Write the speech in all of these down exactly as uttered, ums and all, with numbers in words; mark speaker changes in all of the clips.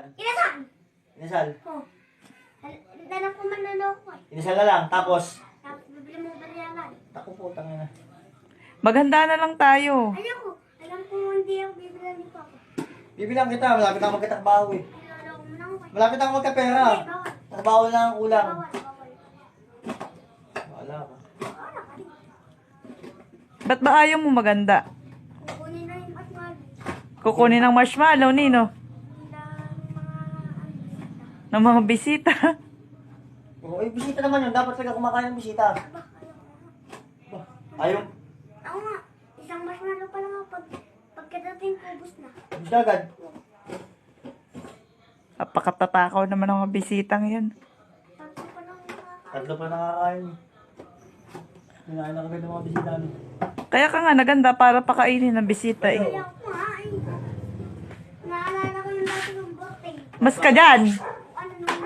Speaker 1: Inasal.
Speaker 2: Inasal.
Speaker 1: Oh. Lalak ko manloloko eh.
Speaker 2: Inasal na lang. Tapos,
Speaker 1: Tapos bibili mo balialan.
Speaker 2: ako po, tangin na.
Speaker 3: Maghanda na lang tayo.
Speaker 1: Alam ko, alam ko hindi ako bibili ni Papa.
Speaker 2: Bibilang kita, malapit ako magkatakbaho eh.
Speaker 1: Niloloko mo na ako eh.
Speaker 2: Malapit ako magkapera.
Speaker 1: Hindi, bawal.
Speaker 2: Trabaho lang ang kulang.
Speaker 1: Bawal, bawal.
Speaker 2: Wala ka.
Speaker 1: Wala ka rin.
Speaker 3: Ba't ba ayaw mo maganda?
Speaker 1: Kukunin na yung aswal.
Speaker 3: Kukunin ng marshmallow, Nino.
Speaker 1: Ng mga ano,
Speaker 3: Ng mga bisita.
Speaker 2: Oo, eh, bisita naman yun. Dapat talaga kumakain ng bisita.
Speaker 1: Aba,
Speaker 2: Bah, ayaw.
Speaker 1: ako nga, isang marshmallow pa lang ako pag pagkadating ko, ubus na.
Speaker 2: Gusto agad.
Speaker 3: Napakatatakaw naman ng mga bisitang yan.
Speaker 1: Tatlo pa lang nakakain.
Speaker 2: Tatlo pa nakakain. Kinain na kagad ng mga bisita. Ano?
Speaker 3: Kaya ka nga naganda para pakainin ng bisita eh.
Speaker 1: Kaya ako nga eh. Naalala ko yung dati ng birthday.
Speaker 3: Mas ka dyan.
Speaker 1: Ano nung...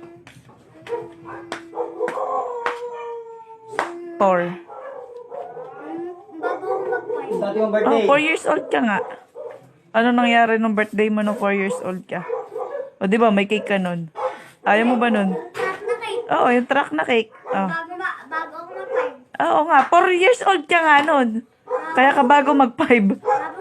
Speaker 3: Four.
Speaker 1: Yung bago ako mag-five.
Speaker 2: Dati yung
Speaker 3: Oh,
Speaker 2: birthday.
Speaker 3: four years old ka nga. Ano nangyari nung birthday mo nung four years old ka? O di ba may cake ka nun? Ayaw mo ba nun?
Speaker 1: Sarap na cake.
Speaker 3: Oo, yung truck na cake. Oh.
Speaker 1: Bago, ma- bago ako mag-five.
Speaker 3: Oo nga, four years old ka nga nun. Kaya ka bago mag five.
Speaker 1: Bago